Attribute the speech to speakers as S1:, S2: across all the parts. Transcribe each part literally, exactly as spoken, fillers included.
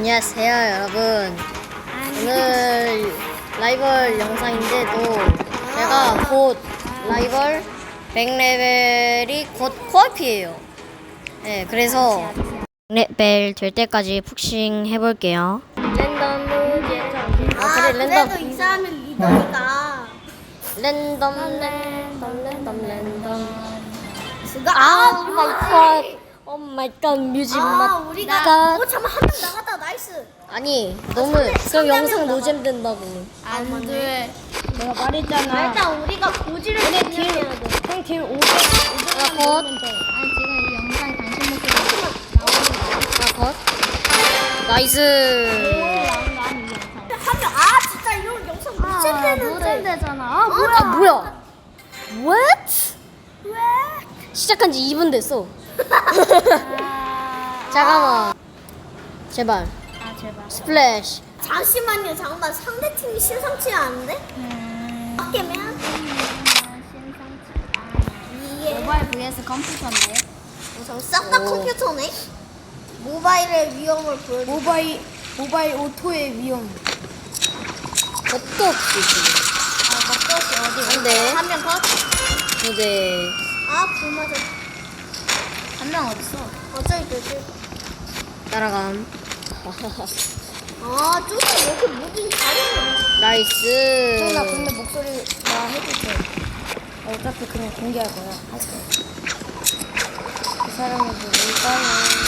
S1: 안녕하세요 여러분. 오늘 라이벌 영상인데도 제가 곧 라이벌 백 레벨이 곧 코앞이에요. 네, 그래서 백 레벨 될 때까지 푹싱 해볼게요. 랜덤 무제. 아 그래 랜덤.
S2: 그래도 이 사람이 리더니까.
S1: 랜덤 랜덤 랜덤 랜덤.
S2: 아,
S1: 오 마이 갓. 오 마이 갓 뮤직
S2: 아,
S1: 맛.
S2: 우리가. 어, 잠깐 한명 나갔다. 나이스.
S1: 아니 너무
S2: 삼 대-
S1: 그럼
S2: 삼
S1: 영상
S2: 대면
S1: 노잼 된다고.
S2: 안 돼.
S1: 내가 말했잖아.
S2: 일단 우리가 고지를
S1: 근데
S2: 진행해야
S1: 딜,
S2: 돼.
S1: 그냥 딜 오백, 오백만
S2: 컷.
S1: 넣으면 돼.
S2: 아니 지금 이 영상 당신 목소리 나오는
S1: 아, 컷. 나이스.
S2: 한명 아 진짜 이런 영상 무잼되는데. 무잼되잖아. 아
S1: 아, 뭐야? What?
S2: 왜?
S1: 시작한 지 이 분 됐어.
S2: 아,
S1: 잠깐만. 제발.
S2: 아 제발.
S1: 스플래시.
S2: 잠시만요. 잠깐만 상대 팀이 심상치 않은데?
S1: 음.
S2: 어깨면? 이게
S3: 모바일 vs 컴퓨터인데
S2: 우선 싹 다
S1: 오.
S2: 컴퓨터네. 모바일의 위험을 보여줘.
S3: 모바일 모바일 오토의 위험.
S1: 겁도 없지, 지금.
S2: 아 맞다. 어디?
S1: 안 돼.
S2: 한명 컷.
S1: 이제.
S2: 아불 맞아.
S3: 한 명 어딨어?
S2: 어쩔 때.
S1: 따라감.
S2: 아 쪼짜 왜 이렇게 무빙 잘해?
S1: 나이스.
S3: 나 근데 목소리 나 해줄게. 어차피 그냥 공개할 거야. 할게. 그 사람이 누굴까요?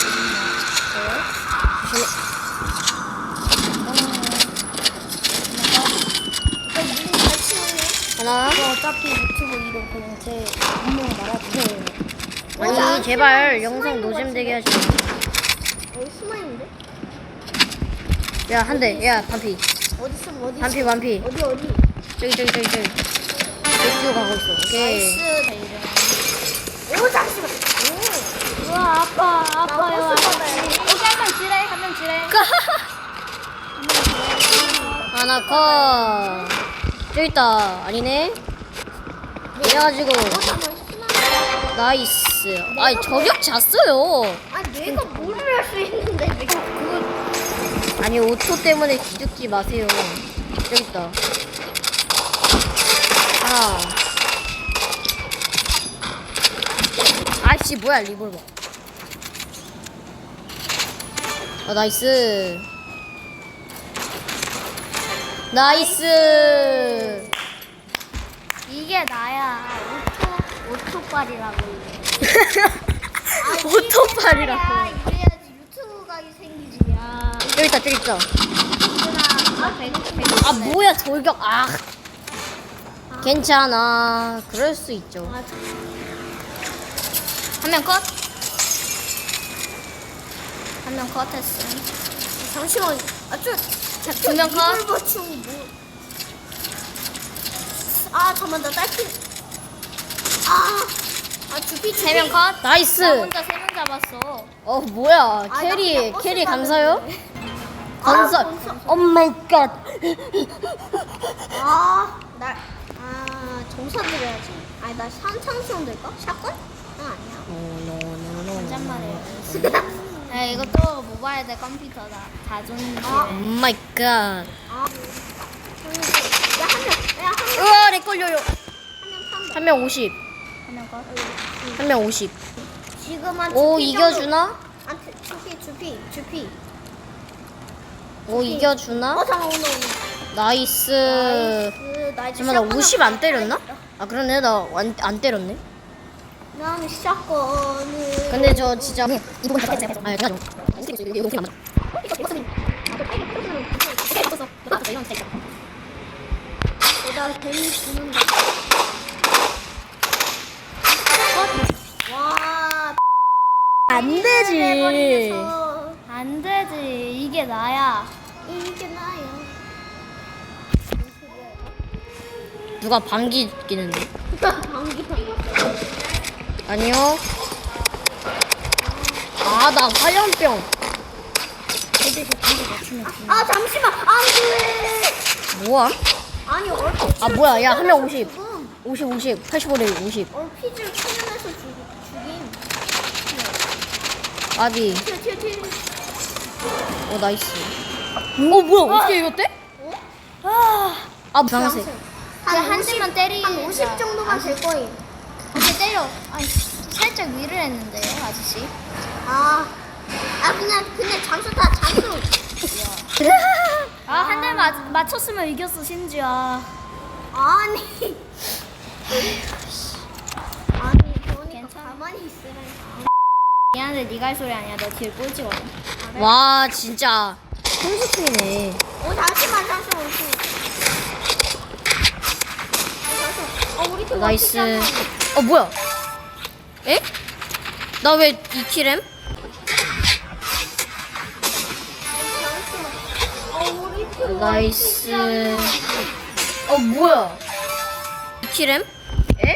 S2: 너 무빙 잘 치네.
S1: 하나.
S3: 저 어차피 유튜브 이름 그냥 제 분명 말아주세요.
S1: 아니, 제발 영상 노잼 되게 하지 마.
S2: 여기 숨어 있는데?
S1: 야, 한 대. 야, 반피.
S2: 어디 숨 어디?
S1: 반피, 반피.
S2: 어디 어디?
S1: 저기, 저기, 저기, 저기. 저기 가고 있어. 오케이.
S2: 나이스. 오 잠시만. 오.
S3: 우와 아빠 아빠요.
S2: 나 버스 받아야 돼.
S3: 여기 한 명 지뢰 한 명 지뢰.
S1: 하나 컷. 저기 있다. 아니네. 이래가지고
S2: 잠깐만 숨어.
S1: 나이스. 아니 저격 잤어요.
S2: 아니 내가 뭐를 할 수 있는데 왜 그거?
S1: 아니 오토 때문에 기죽지 마세요. 저기 있다. 하나. 아이씨 뭐야 리볼버. 아 나이스. 나이스.
S2: 이게 나야. 오토 오토빨이라고.
S1: 오토팔이라고.
S2: 이래야지 유튜브가 생기지. 야.
S1: 저기 있다 저기 있다.
S2: 아 배고 배고.
S1: 아 뭐야 돌격. 아 괜찮아. 그럴 수 있죠.
S3: 한 명 컷. 한 명 컷했어.
S2: 잠시만. 아저
S3: 두명 컷.
S2: 리볼버충 뭐? 아 잠만 나 딸피. 아. 아 주피 주피.
S3: 세 명 컷.
S1: 나이스.
S3: 나 혼자 세 명 잡았어.
S1: 어 뭐야
S2: 아, 나
S1: 캐리
S2: 그냥 버스
S1: 캐리
S2: 타는데.
S1: 감사요?
S2: 아,
S1: 건설.
S2: 건설.
S1: 오 마이 갓.
S2: 아, 나, 아, 정사 드려야지. 아니, 나 산창수용 될까? 샷건? 아, 아니야.
S3: 혼잣말이에요. 야 이것도 모바일 대 컴퓨터다. 자존심.
S2: 아.
S1: 오 마이 갓.
S2: 아, 야, 한 명, 야, 한 명,
S1: 으아 내 걸려요.
S2: 한명 탄다.
S1: 한 명 오십.
S3: 한 명 컷.
S1: 한 명 오십.
S2: 지금 한
S1: 오
S2: 주피
S1: 이겨주나?
S2: 정도. 아, 주- 주피, 주피, 주피.
S1: 오 이겨주나?
S2: 어, 잠깐, 오늘, 오늘.
S1: 나이스.
S2: 나이스. 나 이제
S1: 잠깐만 나
S2: 샷건
S1: 오십 안
S2: 한번
S1: 때렸나?
S2: 따야겠다.
S1: 아 그러네 나 안 때렸네.
S2: 나는 샷건을.
S1: 근데 저 진짜 이분 다 했어요. 아 제가 좀 이거 그냥
S2: 나 괜히 죽는다. 와,
S1: 안 되지.
S2: 해버리면서
S3: 안 되지. 이게 나야.
S2: 이게 나야.
S1: 누가 방귀 끼는데?
S2: 방귀.
S1: 아니요. 아 나 화염병.
S2: 아 잠시만 안돼.
S1: 뭐야?
S2: 아니 얼핏.
S1: 아 뭐야 야 한 명 오십.
S2: 지금
S1: 오십 오십 팔십오 대 오십.
S2: 얼핏을 측면에서 죽 죽임.
S1: 아비.
S2: 튀어 튀어 튀어.
S1: 어 나이스. 어 뭐야 어떻게 이겼대?
S3: 아,
S1: 아 주황색.
S3: 그냥 한 대만 때리.
S2: 한 오십 정도만 될 거예요.
S3: 이렇게 때려. 아, 살짝 위를 했는데요, 아저씨.
S2: 아, 아 그냥 그냥 잠수 다 잠수.
S3: 아, 한 대 맞췄으면 이겼어, 심지어.
S2: 아니. 아니 그러니까
S3: 괜찮아.
S2: 가만히 있으라니까.
S3: 미안한데 네가 할 소리 아니야. 너 뒤에 꼴찌거든.
S1: 와 진짜 홈스팀이네.
S2: 어 잠시만 잠시만 우리 팀. 어, 우리 팀
S1: 나이스.
S2: 어떻게
S1: 어 뭐야? 에? 나 왜 이 킬엠?
S2: 어 우리 팀
S1: 나이스. 어 뭐야? 이 킬엠? 에?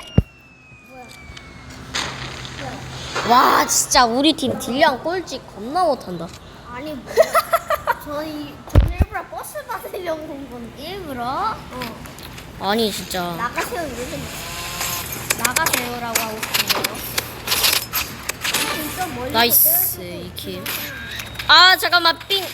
S1: 와 진짜 우리 팀 딜량 꼴찌 겁나 못한다.
S2: 아니 뭐 저희 저는 일부러 버스 받으려고 온 건데
S3: 일부러
S2: 어
S1: 아니 진짜.
S2: 나가세요 이러더니
S3: 나가세요라고 하고 싶은데요.
S2: 진짜 멀리
S1: 나이스 이 킬. 아 잠깐만 삥.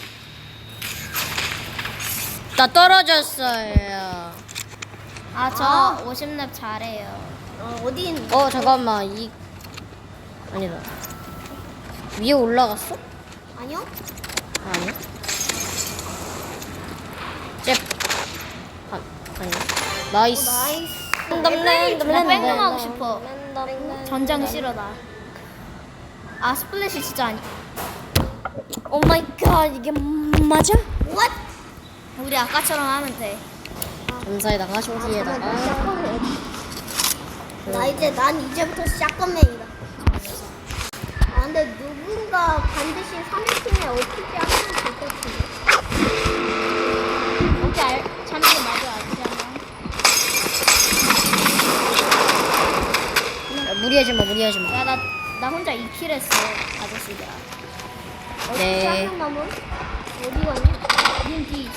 S1: 나 떨어졌어요.
S3: 아, 저
S2: 아.
S3: 오십 렙 잘해요.
S2: 어 어디 있는
S1: 어 잠깐만 이 아니다. 위에 올라갔어?
S2: 아니요
S1: 아, 아니야. 잽. 아, 아니야. 나이스.
S2: 오, 나이스
S1: 랜덤 랜덤
S3: 나
S1: 랜덤
S3: 뺑뺑 하고
S1: 랜덤,
S3: 싶어.
S1: 랜덤, 랜덤.
S3: 전장 싫어 나. 아, 스플래시 진짜 아니.
S1: 오 마이 갓 이게 맞아?
S2: what
S3: 우리 아까처럼 하면 돼.
S1: 감사에다가 쇼지에다가
S2: 나 이제 난 이제부터 샷건맨이다. 아 근데 누군가 반드시 삼 위 팀에 어떻게 하면 될 것 같은데.
S3: 오케이, 알, 잠시 맞아, 아저씨 한 명.
S1: 야, 무리하지 마 무리하지 마.
S3: 야, 나, 나 혼자 이 킬 했어, 아저씨가.
S2: 어떻게
S1: 네.
S2: 하면 남은? 어디 가니?
S3: 님 뒤.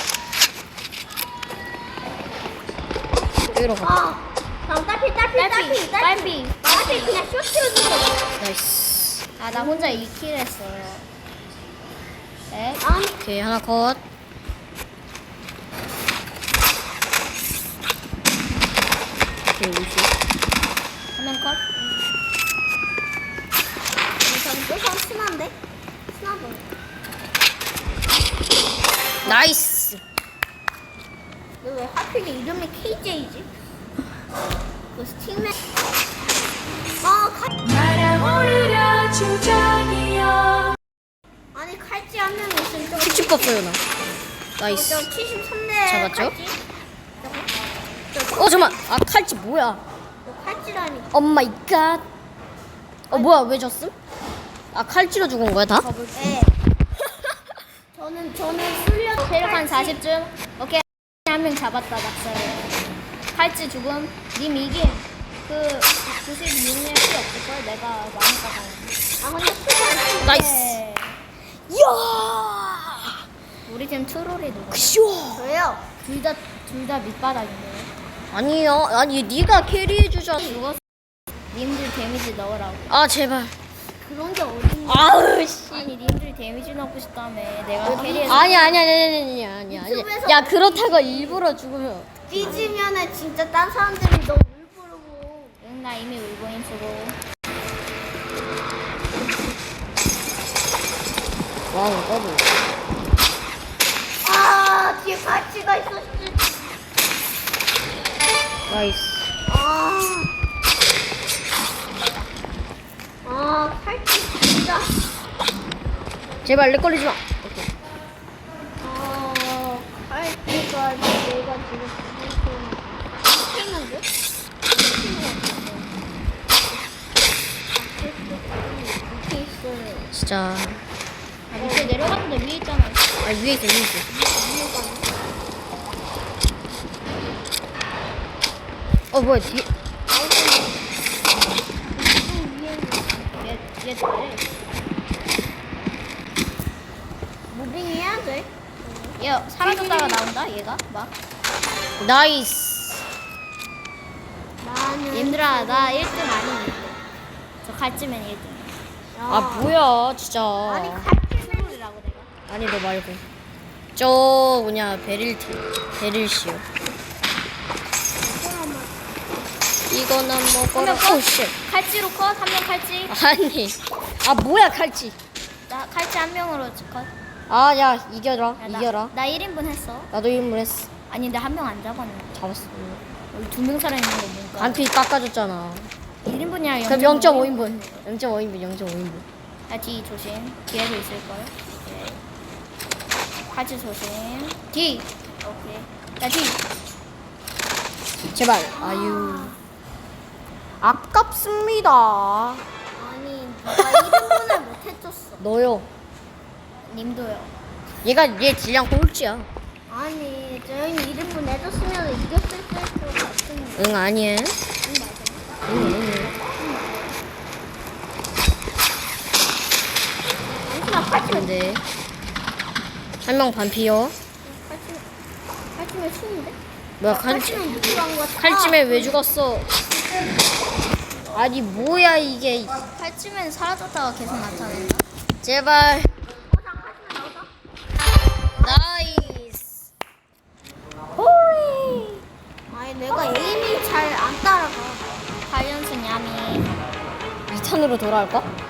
S1: 여기로 가.
S2: 아, 다음 딸피 딸피 딸피
S3: 딸피, 딸피.
S2: 딸피 그냥 쇼트로 주고.
S1: 나이스.
S3: 아, 나 혼자 이 킬 했어요. 네?
S2: 아니
S1: 오케이 하나 컷. 오케이 오십.
S3: 한 명 컷?
S2: 저기 또 사람 친한데? 친하다.
S1: 나이스.
S2: 너 왜 하필 이름이 케이제이지? 그 스틱맨. 아 칼.
S4: 날아오르려 주장이여
S2: 아니 칼찌 한 명이 있으면 좀.
S1: 킥 봤어요 나. 나이스.
S2: 저 칠십삼 대
S1: 잡았죠?
S2: 칼찌? 저거?
S1: 어 잠만. 아 칼치 뭐야?
S2: 저 칼찌라니.
S1: 오 마이 갓. 어 뭐야 왜 졌음? 아 칼치로 죽은 거야 다?
S2: 네. 저는 저는 술려
S3: 체력 한 사십쯤? 오케이. 한 명 잡았다, 낙사를. 칼찌 죽음. 님 이김. 그, 구십육 렙 피 없을걸? 내가 많이 까가는데.
S2: 아 근데 술려.
S1: 나이스. 이야.
S3: 우리 팀 트롤이 누구?
S1: 그쇼.
S2: 저요.
S3: 둘 다, 둘 다 밑바닥인데.
S1: 아니요. 아니 네가 캐리해 주잖아.
S3: 죽었어. 님들 데미지 넣으라고.
S1: 아 제발.
S2: 그런 게 어딨냐.
S1: 아우 씨.
S3: 아니, 님들 데미지 넣고 싶다며. 내가 캐리해서.
S1: 아니 아니 아니 아니 아니 아니.
S2: 유튜브에서
S1: 야 그렇다고 일부러 죽으면.
S2: 삐지면은 진짜 딴 사람들이 너무 울 부르고.
S3: 응, 나 이미 울고인 쓰고.
S1: 와우 더블.
S2: 아 뒤에 칼찌가 있었지.
S1: 나이스.
S2: 아. 아 칼찌 진짜.
S1: 제발 렉 걸리지 마. 오케이.
S2: 아 칼찌가 내가 지금 했는데? 이렇게 있어요.
S1: 진짜.
S3: 아, 밑에 내려갔는데 위에 있잖아.
S1: 아 위에 있어 위에 있어. 어 뭐야 뒤에.
S3: 얘, 얘 잘해.
S2: 무빙 해야 돼.
S3: 얘 사라졌다가 나온다, 얘가. 막.
S1: 나이스.
S2: 나는
S3: 님들아, 나 일 등 아니니. 저 갈찌맨 일 등.
S1: 아 뭐야 진짜.
S2: 아니 칼찌는
S3: 트롤이라고 내가.
S1: 아니 너 말고 저 뭐냐 베릴티 베릴시오. 이거는 먹어라.
S3: 한명
S1: 오씨.
S3: 칼찌로 컷. 한 명 칼찌.
S1: 아니 아 뭐야 칼치.
S3: 나 칼찌 한 명으로 컷.
S1: 아 야 이겨라
S3: 야, 나,
S1: 이겨라.
S3: 나 일 인분 했어.
S1: 나도 일물했어.
S3: 아니 근데 한 명 안 잡았는데.
S1: 잡았어.
S3: 여기 두 명 살아있는 거 뭔가.
S1: 반피 깎아줬잖아.
S3: 일 인분이야.
S1: 그럼 영 점 오 인분. 영 점 오 인분 영 점 오 인분.
S3: 야, 뒤 조심. 뒤에도 있을걸. 오케이. 칼찌 조심. 뒤. 오케이. 야, 뒤.
S1: 제발. 아유. 아깝습니다.
S2: 아니 누가 일 인분을 못 해줬어.
S1: 너요.
S3: 님도요.
S1: 얘가 얘 질량 꼴찌야.
S2: 아니 저희 일 인분 해줬으면 이겼을 것 같은데.
S1: 응 아니야.
S2: 응, 맞아.
S1: 응 응.
S2: 잠시만 칼치면
S1: 근데 한 명 반피요.
S2: 칼치면 칼치면 쉬운데?
S1: 뭐야 칼치
S2: 칼치면 누구랑 거?
S1: 칼찜에 왜 죽었어? 아니 뭐야 이게.
S3: 칼찌면 사라졌다가 계속 나타난다.
S1: 제발. 나이스.
S2: 호이. 아니 내가 에임이 잘 안 따라가.
S3: 팔 연승 야미.
S1: 이 턴으로 돌아올까?